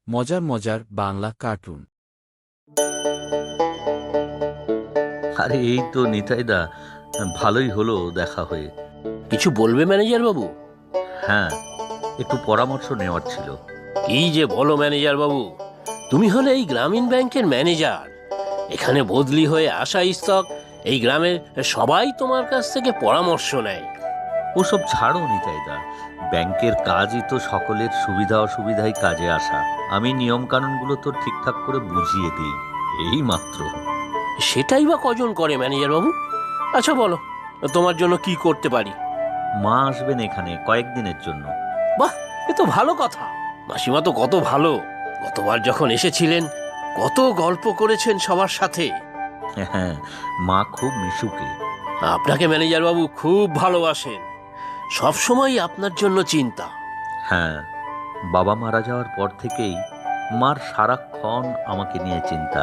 মজার মজার বাংলা কার্টুন। আরে এই তো নিতাইদা, ভালোই হলো দেখা হয়ে। কিছু বলবে ম্যানেজার বাবু? হ্যাঁ, একটু পরামর্শ নেওয়ার ছিল। কি যে বলো ম্যানেজার বাবু, তুমি হলে এই গ্রামীণ ব্যাংকের ম্যানেজার। এখানে বদলি হয়ে আসা ইস্তক এই গ্রামের সবাই তোমার কাছ থেকে পরামর্শ নেয়। ওসব ছাড়ো নিতাইদা, ব্যাংকের কাজই তো সকলের সুবিধা অসুবিধায় কাজে আসা। আমি নিয়ম কানুনগুলো তো ঠিকঠাক করে বুঝিয়ে দিই, এই মাত্র। সেটাই বা কজন করে ম্যানেজার বাবু? আচ্ছা বলো, তোমার জন্য কি করতে পারি? মা আসবেন এখানে কয়েকদিনের জন্য। বাহ, এ তো ভালো কথা। মাসিমা তো কত ভালো, গতবার যখন এসেছিলেন কত গল্প করেছেন সবার সাথে। হ্যাঁ, মা খুব মিশুকে। আপনাকে ম্যানেজার বাবু খুব ভালোবাসেন, সব সময় আপনার জন্য চিন্তা। হ্যাঁ, বাবা মারা যাওয়ার পর থেকেই মার সারাক্ষণ আমাকে নিয়ে চিন্তা,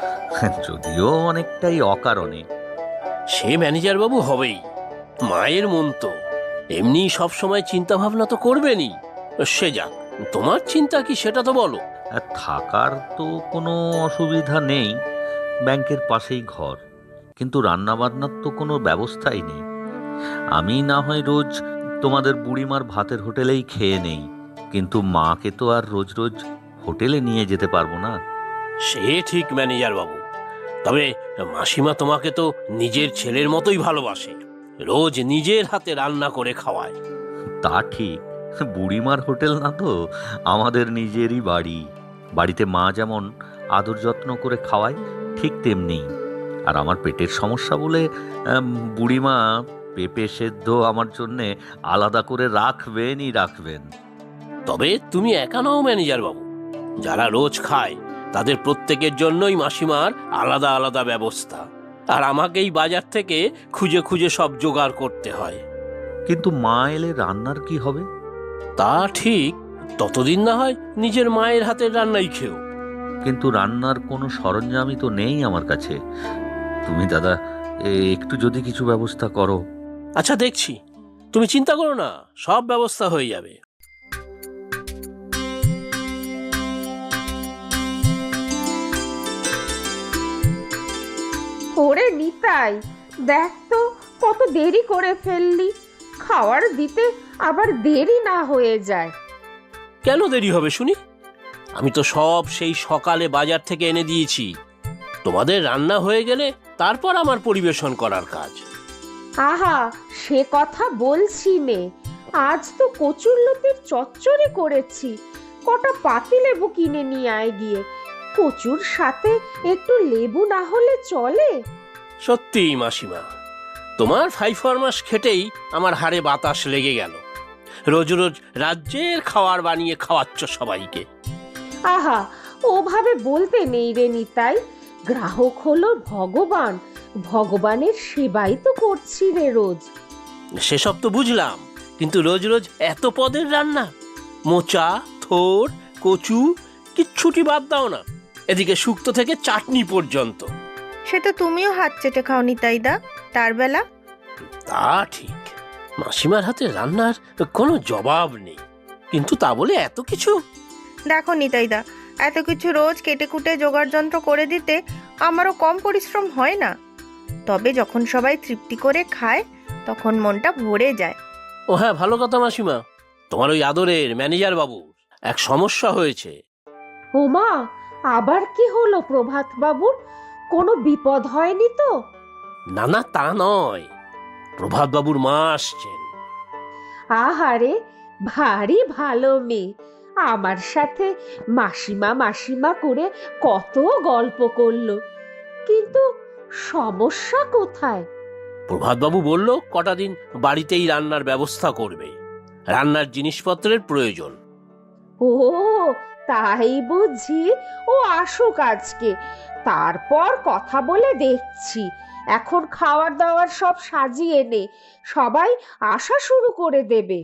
যদিও অনেকটাই অকারণে। সে ম্যানেজার বাবু হবেই, মায়ের মন তো এমনি সব সময় চিন্তা ভাবনা তো করবেনই। সে যাক, তোমার চিন্তা কি সেটা তো বলো। আর থাকার তো কোনো অসুবিধা নেই, ব্যাংকের পাশেই ঘর, কিন্তু রান্না বান্নার তো কোনো ব্যবস্থাই নেই। আমি না হয় রোজ তোমাদের বুড়িমার ভাতের হোটেলেই খেয়ে নেই, কিন্তু মাকে তো আর রোজ রোজ হোটেলে নিয়ে যেতে পারবো না। সে ঠিক ম্যানেজার বাবু, তবে মাসিমা তোমাকে তো নিজের ছেলের মতোই ভালোবাসে, রোজ নিজের হাতে রান্না করে খাওয়ায়। তা ঠিক, বুড়িমার হোটেল না তো, আমাদের নিজেরই বাড়ি। বাড়িতে মা যেমন আদর যত্ন করে খাওয়ায়, ঠিক তেমনি। আর আমার পেটের সমস্যা বলে বুড়িমা পেঁপে সেদ্ধ আমার জন্যে আলাদা করে রাখবেনই রাখবেন। তবে তুমি একা নও ম্যানেজার বাবু, যারা রোজ খায় তাদের প্রত্যেকের জন্যই মাসিমার আলাদা আলাদা ব্যবস্থা, আর আমাকেই বাজার থেকে খুঁজে খুঁজে সব জোগাড় করতে হয়। কিন্তু মা এলে রান্নার কি হবে? তা ঠিক, ততদিন না হয় নিজের মায়ের হাতের রান্নাই খেও। কিন্তু রান্নার কোনো সরঞ্জামই তো নেই আমার কাছে। তুমি দাদা একটু যদি কিছু ব্যবস্থা করো। আচ্ছা দেখছি, তুমি চিন্তা করো না, সব ব্যবস্থা হয়ে যাবে। ওরে নিতাই, দেখ তো কত দেরি করে ফেললি। খাওয়ার দিতে আবার দেরি না হয়ে যায়। কেন দেরি হবে শুনি? আমি তো সব সেই সকালে বাজার থেকে এনে দিয়েছি। তোমাদের রান্না হয়ে গেলে তারপর আমার পরিবেশন করার কাজ। আহা, সে কথা বলছি নে। আজ তো কচুরলতির চচ্চড়ি করেছি। কটা পাতিলেবু কিনে নিয়ে আয় গিয়ে। কচুর সাথে একটু লেবু না হলে চলে? সত্যি মাসিমা, তোমার ফাইফরমাস খেটেই আমার হাড়ে বাতাস লেগে গেল। রোজ রোজ রাজ্যের খাবার বানিয়ে খাওয়াচ্ছ সবাইকে। আহা, ওভাবে বলতে নেই রে নিতাই। গ্রাহক হলো ভগবান, ভগবানের সেবাই তো করছি রে রোজ। সেসব তো বুঝলাম, কিন্তু রোজ রোজ এত পদের রান্না, মোচা, থোর, কচু, কিচ্ছুটি বাদ দাও না, এদিকে শুক্তো থেকে চাটনি পর্যন্ত। সে তো তুমিও হাত চেটে খাও নিতাইদা, তার বেলা। তা ঠিক, মাসিমার হাতে রান্নার কোনো জবাব নেই, কিন্তু তা বলে এত কিছু। দেখো নিতাইদা, এত কিছু রোজ কেটে কুটে জোগাড় যন্ত্র করে দিতে আমারও কম পরিশ্রম হয় না। তবে যখন সবাই তৃপ্তি করে খায় তখন মনটা ভরে যায়। ও হ্যাঁ, ভালো কথা মাসিমা, তোমার ওই আদরের ম্যানেজার বাবু এক সমস্যা হয়েছে। ওমা, আবার কি হলো প্রভাত বাবুর? কোনো বিপদ হয়নি তো? না না, তা নয়, প্রভাত বাবুর মা আসছেন। আহারে, ভারী ভালো মেয়ে। আমার সাথে মাসিমা মাসিমা করে কত গল্প করলো, কিন্তু সমস্যা কোথায়? প্রভাত বাবু বলল কটা দিন বাড়িতেই রান্নার ব্যবস্থা করবে, রান্নার জিনিসপত্রের প্রয়োজন। ও, তাই বুঝি? ও আসুক আজকে, তারপর কথা বলে দেখছি। এখন খাওয়ার দাওয়ার সব সাজিয়ে নে, সবাই আসা শুরু করে দেবে।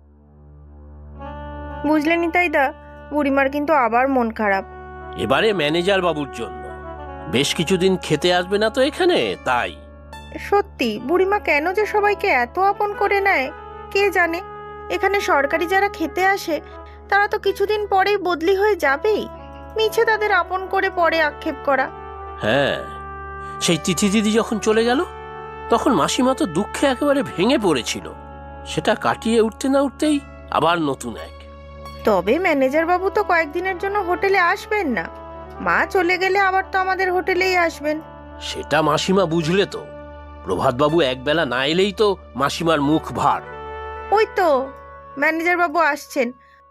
বুঝলে নিতাইদা, বুড়িমার কিন্তু আবার মন খারাপ। এবারে ম্যানেজার বাবুর জন্য বেশ কিছুদিন খেতে আসবে না তো এখানে, তাই। সত্যি বুড়িমা কেন যে সবাইকে এত আপন করে নেয় কে জানে। এখানে সরকারি যারা খেতে আসে তারা তো কিছুদিন পরেই বদলি হয়ে যাবেই, মিছে তাদের আপন করে পরে আক্ষেপ করা। হ্যাঁ, সেই তিথি দিদি যখন চলে গেল তখন মাসিমা তো দুঃখে একেবারে ভেঙে পড়েছিল। সেটা কাটিয়ে উঠতে না উঠতেই আবার নতুন এক। তবে ম্যানেজার বাবু তো কয়েকদিনের জন্য হোটেলে আসবেন না, মা চলে গেলে আবার তো আমাদের হোটেলেই আসবেন। সেটা মাসিমা বুঝলে তো, প্রভাতবাবু একবেলা না এলেই তো মাসিমার মুখ ভার। ওই তো ম্যানেজার বাবু আসছেন।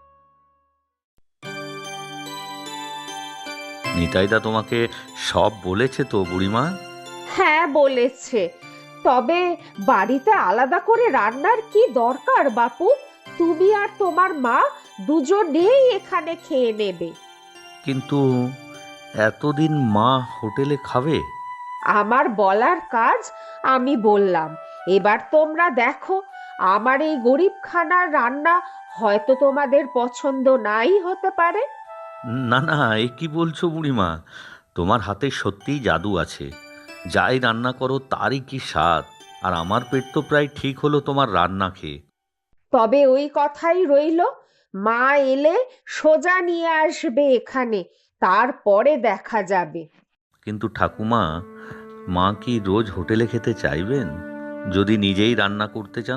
নিতাইদা তোমাকে সব বলেছে তো বুড়িমা? হ্যাঁ বলেছে, তবে বাড়িতে আলাদা করে রান্নার কি দরকার বাপু? তুমি আর তোমার মা দুজনেই এখানে খেয়ে নেবে। কিন্তু এতদিন মা হোটেলে খাবে? আমার বলার কাজ আমি বললাম, এবার তোমরা দেখো, আমার এই গরিবখানার রান্না হয়তো তোমাদের পছন্দ নাই হতে পারে। না না, এ কি বলছো বুড়িমা? তোমার হাতে সত্যিই জাদু আছে। যাই রান্না করো তারই কি স্বাদ। আর আমার পেট তো প্রায় ঠিক হলো তোমার রান্না খেয়ে। তবে ওই কথাই রইলো, মা এলে সোজা নিয়ে আসবে এখানে, তারপরে দেখা যাবে। কিন্তু ঠাকুমা, মা কি রোজ হোটেলে খেতে চাইবেন যদি নিজেই রান্না করতে চান?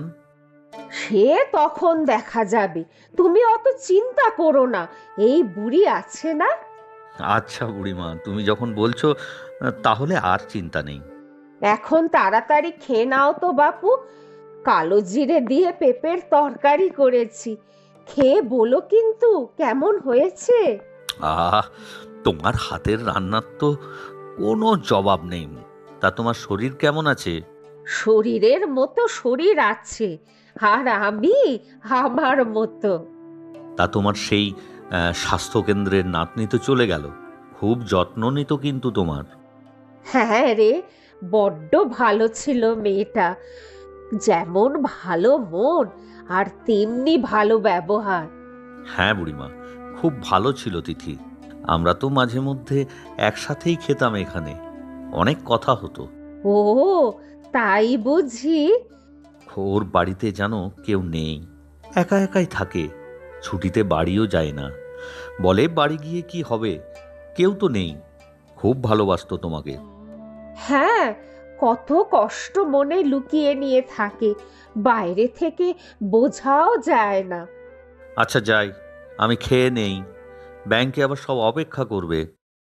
সে তখন দেখা যাবে, তুমি অত চিন্তা করো না, এই বুড়ি আছে না। আচ্ছা বুড়িমা, তুমি যখন বলছো তাহলে আর চিন্তা নেই। এখন তাড়াতাড়ি খেয়ে নাও তো বাপু, কালো জিরে দিয়ে পেঁপের তরকারি করেছি, খেয়ে বলো কিন্তু কেমন হয়েছে। আহ, তোমার হাতের রান্নার তো কোনো জবাব নেই। তা তোমার শরীর কেমন আছে? শরীরের মতো শরীর আছে, আর আমি আমার মতো। তা তোমার সেই স্বাস্থ্যকেন্দ্রের নাতনি তো চলে গেল, খুব যত্ন নিত কিন্তু তোমার। হ্যাঁ রে, বড্ড ভালো ছিল মেয়েটা, যেমন ভালো মন আর তেমনি ভালো ব্যবহার। হ্যাঁ বুড়িমা, খুব ভালো ছিল তিথি। আমরা তো মাঝে মধ্যে একসাথেই খেতাম এখানে, অনেক কথা হতো। ও তাই বুঝি। ওর বাড়িতে যেন কেউ নেই, একা একাই থাকে, ছুটিতে বাড়িও যায় না। বলে বাড়ি গিয়ে কি হবে, কেউ তো নেই। খুব ভালোবাসতো তোমাকে। হ্যাঁ, কত কষ্ট মনে লুকিয়ে নিয়ে থাকে, বাইরে থেকে বোঝাও যায় না। আচ্ছা যাই, আমি খেয়ে নেই, ব্যাংকে আবার সব অপেক্ষা করবে।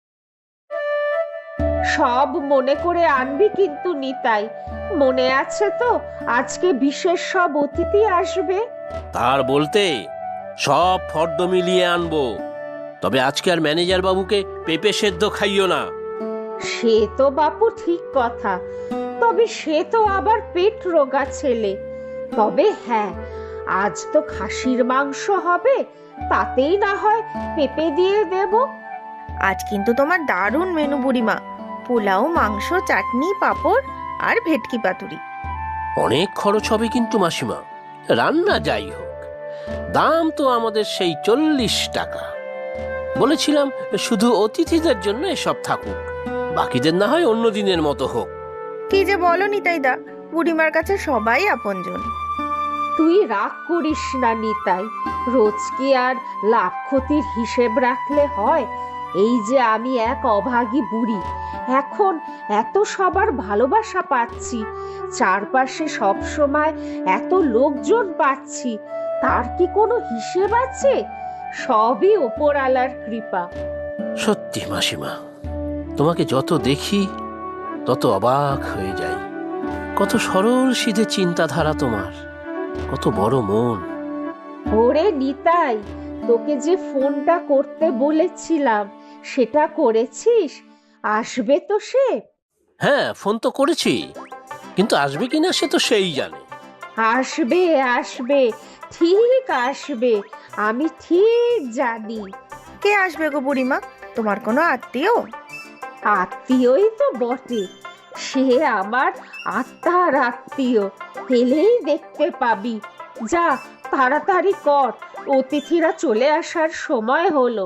সব মনে করে আনবি কিন্তু নিতাই, মনে আছে তো আজকে বিশেষ সব অতিথি আসবে। তার বলতে সব ফর্দ মিলিয়ে আনবো, তবে আজকে আর ম্যানেজার বাবুকে পেঁপে সেদ্ধ খাইও না। সে তো বাপু ঠিক কথা, তবে সে তো আবার পেট রোগা ছেলে। তবে হ্যাঁ, আজ তো খাসির মাংস হবে, তাতেই না হয় পেঁপে দিয়ে দেব। আজ কিন্তু তোমার দারুণ মেনু বুড়িমা, পোলাও, মাংস, চাটনি, পাঁপড় আর ভেটকি পাতুরি। অনেক খরচ হবে কিন্তু মাসিমা, রান্না যাই হোক, দাম তো আমাদের সেই 40 টাকা। বলেছিলাম শুধু অতিথিদের জন্য এসব থাকুক, বাকিদের না হয় অন্য দিনের মতো হোক। কি যে বলো নিতাইদা, বুড়িমার কাছে সবাই আপনজন। তুই রাগ করিস না নিতাই, রোজ কি আর লাভ ক্ষতির হিসেব রাখলে হয়? এই যে আমি এক অভাগী বুড়ি, এখন এত সবার ভালোবাসা পাচ্ছি, চারপাশে সব সময় এত লোকজন পাচ্ছি, তার কি কোনো হিসেব আছে? সবই ওপরওয়ালার কৃপা। সত্যি মাসিমা, তোমাকে যত দেখি তত অবাক হয়ে যাই। কত সরল সিধে চিন্তাধারা তোমার, কত বড় মন। ওরে নিতাই, তোকে যে ফোনটা করতে বলেছিলাম সেটা করেছিস? আসবে তো সে? হ্যাঁ, ফোন তো করেছি, কিন্তু আসবে কিনা সে তো সেই জানে। আসবে আসবে, ঠিক আসবে, আমি ঠিক জানি। কে আসবে গো বুড়িমা, তোমার কোনো আত্মীয়? আত্মীয়ই তো বটে, সে আমার আত্মার আত্মীয়, এলেই দেখতে পাবি। যা তাড়াতাড়ি কর, অতিথিরা চলে আসার সময় হলো।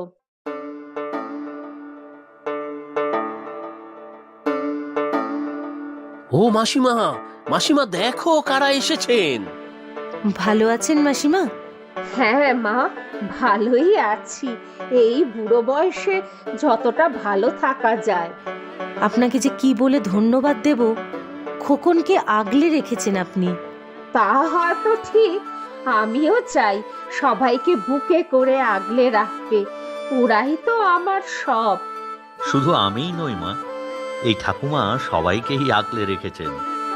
ও মাসিমা, মাসিমা দেখো কারা এসেছেন। ভালো আছেন মাসিমা? হ্যাঁ মা, ভালোই আছি। এই বুড়ো বয়সে যতটা ভালো থাকা যায়। আপনাকে যে কি বলে ধন্যবাদ দেব, খোকনকে আগলে রেখেছেন আপনি। তা হয়তো ঠিক, আমিও চাই সবাইকে বুকে করে আগলে রাখতে। ওরাই তো আমার সব। শুধু আমিই নই মা, এই ঠাকুমা সবাইকেই আগলে রেখেছেন।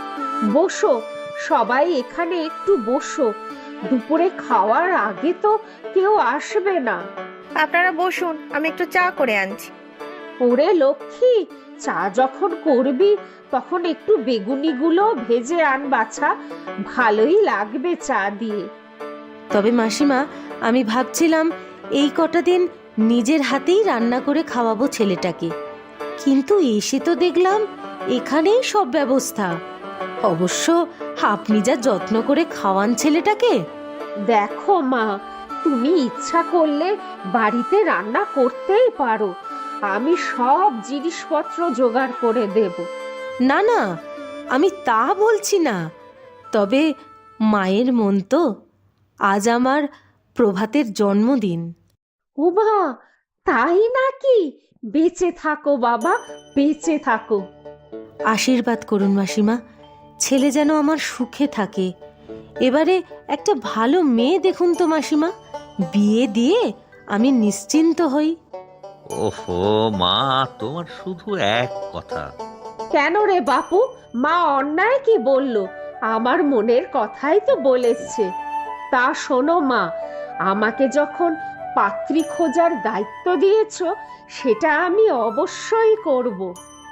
বসো, সবাই এখানে একটু বসো। দুপুরে খাওয়ার আগে তো কেউ আসবে না। আপনারা বসুন, আমি একটু চা করে আনছি। ওরে লক্ষ্মী, চা যখন করবি তখন একটু বেগুনিগুলো ভেজে আন বাছা, ভালোই লাগবে চা দিয়ে। তবে মাসিমা, আমি ভাবছিলাম এই কটা দিন নিজের হাতেই রান্না করে খাওয়াবো ছেলেটাকে, কিন্তু এসে তো দেখলাম এখানেই সব ব্যবস্থা। অবশ্য আপনি যা যত্ন করে খাওয়ান ছেলেটাকে। দেখো মা, তুমি ইচ্ছা করলে বাড়িতে রান্না করতেই পারো। আমি সব জিনিসপত্র জোগাড় করে দেব। না না, আমি তা বলছি না, তবে মায়ের মন তো। আজ আমার প্রভাতের জন্মদিন। উমা, তাই নাকি? বেঁচে থাকো বাবা, বেঁচে থাকো। আশীর্বাদ করুন মাসিমা, ছেলে যেন আমার সুখে থাকে। এবারে একটা ভালো মেয়ে দেখুন তো মাসিমা, বিয়ে দিয়ে আমি নিশ্চিন্ত হই। ওহো মা, তোমার শুধু এক কথা। কেন রে বাপু, মা অন্যায় কি বললো? আমার মনের কথাই তো বলেছে। তা শোনো মা, আমাকে যখন পাত্রী খোঁজার দায়িত্ব দিয়েছো, সেটা আমি অবশ্যই করব।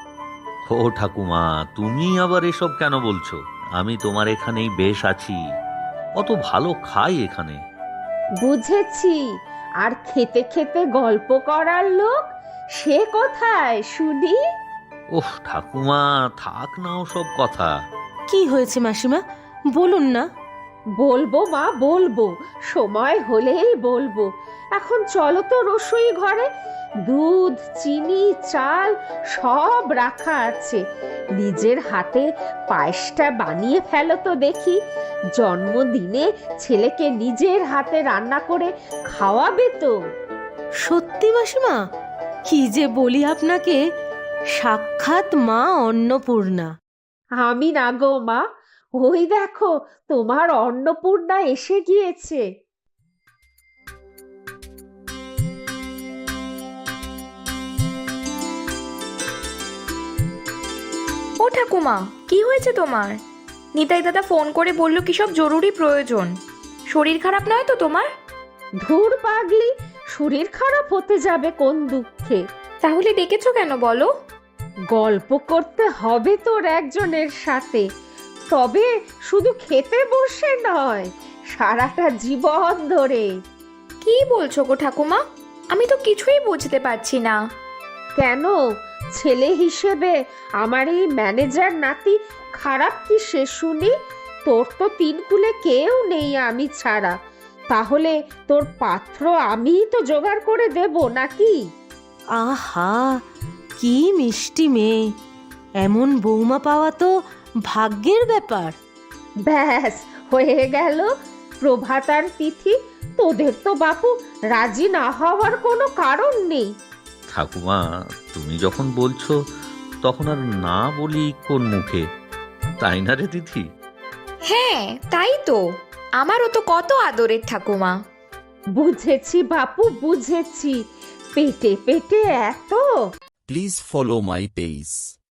ও ঠাকুমা, তুমি আবার এসব কেন বলছো? আমি তোমার এখানেই বেশ আছি, কত ভালো খাই এখানে। বুঝেছি, আর খেতে খেতে গল্প করার লোক সে কোথায় শুনি? ওহ ঠাকুমা, থাক না সব কথা। কি হয়েছে মাসিমা, বলুন না। বলবো মা, বলবো, সময় হলেই বলবো। এখন চলো তো রসোই ঘরে, দুধ, চিনি, চাল সব রাখা আছে। নিজের হাতে পায়েসটা বানিয়ে ফেলো তো দেখি। জন্মদিনে ছেলেকে নিজের হাতে রান্না করে খাওয়াবে তো? সত্যি মাসিমা, কি যে বলি আপনাকে, সাক্ষাৎ মা অন্নপূর্ণা। আমি না গো মা, ওই দেখো তোমার অন্নপূর্ণা এসে গিয়েছে। ও ঠাকুমা, কি হয়েছে তোমার? নিতাই দাদা ফোন করে বলল কি সব জরুরি প্রয়োজন। শরীর খারাপ নয় তো তোমার? ধুর পাগলি, শরীর খারাপ হতে যাবে কোন দুঃখে? তাহলে ডেকেছো কেন বলো? গল্প করতে হবে তোর একজনের সাথে, তবে শুধু খেতে বসে নয়, সারাটা জীবন ধরে। কি বলছো গো ঠাকুমা? আমি তো কিছুই বুঝতে পারছি না। কেন, ছেলে হিসেবে আমার এই ম্যানেজার নাতি খারাপ কি সে শুনি? তোর তো তিন কুলে কেউ নেই আমি ছাড়া, তাহলে তোর পাত্র আমিই তো জোগাড় করে দেব নাকি? আহা, কি মিষ্টি মেয়ে! এমন বৌমা পাওয়া তো ভাগ্যের ব্যাপার। ব্যাস হয়ে গেল, প্রভাত আর তিথি। তোদের তো বাপু রাজি না হওয়ার কোনো কারণ নেই। ঠাকুমা, তুমি যখন বলছো তখন আর না বলি কোন মুখে, তাই না রে দিদি? হ্যাঁ তাই তো, আমারও তো কত আদরের ঠাকুমা। বুঝেছি বাপু, বুঝেছি। পেটে পেটে এত। Please follow my page.